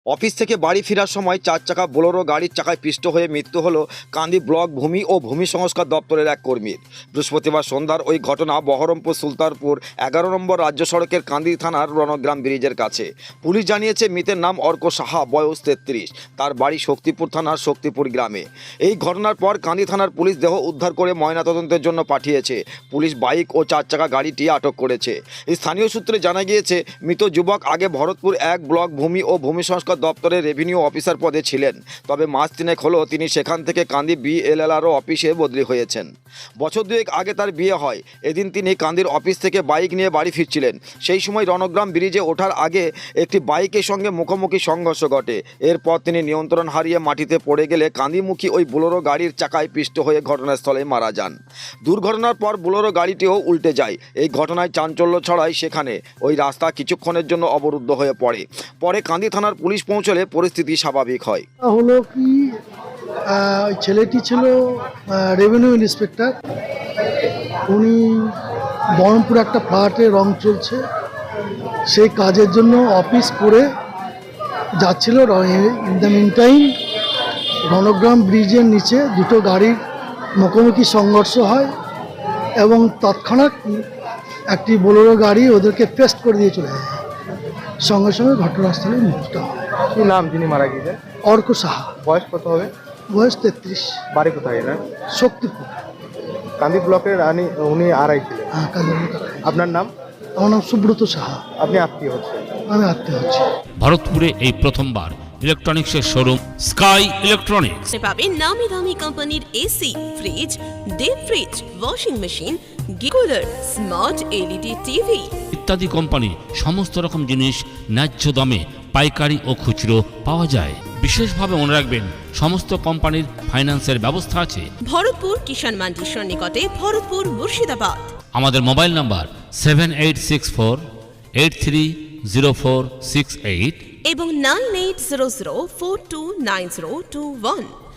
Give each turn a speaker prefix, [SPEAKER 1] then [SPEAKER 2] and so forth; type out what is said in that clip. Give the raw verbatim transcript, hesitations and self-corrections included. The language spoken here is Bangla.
[SPEAKER 1] অফিস থেকে বাড়ি ফেরার সময় চার চাকা বোলেরো গাড়ির চাকায় পিষ্ট হয়ে মৃত্যু হলো কান্দি ব্লক ভূমি ও ভূমি সংস্কার দপ্তরের এক কর্মীর। বৃহস্পতিবার সন্ধ্যার ওই ঘটনা বহরমপুর সুলতানপুর এগারো নম্বর রাজ্য সড়কের কান্দি থানার রণগ্রাম ব্রিজের কাছে। পুলিশ জানিয়েছে মৃতের নাম অর্ক সাহা, বয়স তেত্রিশ। তার বাড়ি শক্তিপুর থানার শক্তিপুর গ্রামে। এই ঘটনার পর কান্দি থানার পুলিশ দেহ উদ্ধার করে ময়নাতদন্তের জন্য পাঠিয়েছে। পুলিশ বাইক ও চার চাকা গাড়িটি আটক করেছে। স্থানীয় সূত্রে জানা গিয়েছে মৃত যুবক আগে ভরতপুর এক ব্লক ভূমি ও ভূমি সংস্কার দপ্তরের রেভিনিউ অফিসার পদে ছিলেন। তবে মাস তিনেক হলো তিনি সেখান থেকে কান্দি বিএলআরও অফিসে বদলি হয়েছেন। বছর দুয়েক আগে তার বিয়ে হয়। এদিন তিনি কান্দির অফিস থেকে বাইক নিয়ে বাড়ি ফিরছিলেন। সেই সময় রণগ্রাম ব্রিজে ওঠার আগে একটি বাইকের সঙ্গে মুখোমুখি সংঘর্ষ ঘটে। এরপর তিনি নিয়ন্ত্রণ হারিয়ে মাটিতে পড়ে গেলে কান্দিমুখী ওই বোলেরো গাড়ির চাকায় পিষ্ট হয়ে ঘটনাস্থলে মারা যান। দুর্ঘটনার পর বোলেরো গাড়িটিও উল্টে যায়। এই ঘটনায় চাঞ্চল্য ছড়ায় সেখানে। ওই রাস্তা কিছুক্ষণের জন্য অবরুদ্ধ হয়ে পড়ে। পরে কান্দি থানার পুলিশ পৌঁছলে পরিস্থিতি স্বাভাবিক হয়।
[SPEAKER 2] হলো কি আহ, ওই ছেলেটি ছিল রেভিনিউ ইন্সপেক্টর। উনি বহরমপুর একটা ফ্ল্যাটে রং চলছে, সেই কাজের জন্য অফিস করে যাচ্ছিল। In the mean time Rangram ব্রিজের নিচে দুটো গাড়ির মুখোমুখি সংঘর্ষ হয় এবং তৎক্ষণাৎ একটি বোলেরো গাড়ি ওদেরকে পেস্ট করে দিয়ে চলে যায়। সঙ্গে সঙ্গে ঘটনাস্থলে মৃত্যুটা হয়।
[SPEAKER 3] কি নাম যিনি মারা গিয়েছেন?
[SPEAKER 2] অর্ক সাহা,
[SPEAKER 3] বয়স কত হবে?
[SPEAKER 2] বয়স তেত্রিশ।
[SPEAKER 3] বাড়ি কোথায় এনার?
[SPEAKER 2] শক্তিপুর।
[SPEAKER 3] কান্দি ব্লকের রানী উনি আড়াই ছিলেন।
[SPEAKER 2] হ্যাঁ, কাজীরপুর।
[SPEAKER 3] আপনার নাম?
[SPEAKER 2] আমার নাম সুব্রত সাহা।
[SPEAKER 3] আপনি আত্মীয় হচ্ছেন?
[SPEAKER 2] আমি আত্মীয় হচ্ছি।
[SPEAKER 4] ভারতপুরে এই প্রথমবার ইলেকট্রনিক্সের শোরুম স্কাই ইলেকট্রনিক্স
[SPEAKER 5] পাবেন নামি দামি কোম্পানির AC, fridge, deep fridge, washing machine, cooler, smart LED TV
[SPEAKER 4] ইত্যাদি কোম্পানি সমস্ত রকম জিনিস ন্যায্য দামে পাইকারি ও খুচরো পাওয়া যায়। বিশেষভাবে মনে রাখবেন সমস্ত কোম্পানির ফাইন্যান্সের ব্যবস্থা আছে।
[SPEAKER 5] ভরতপুর কিষাণ মান্ডির সন্নিকটে, ভরতপুর মুর্শিদাবাদ।
[SPEAKER 4] আমাদের mobile number seven eight six four eight three zero four six eight
[SPEAKER 5] এবং nine eight zero zero four two nine zero two one.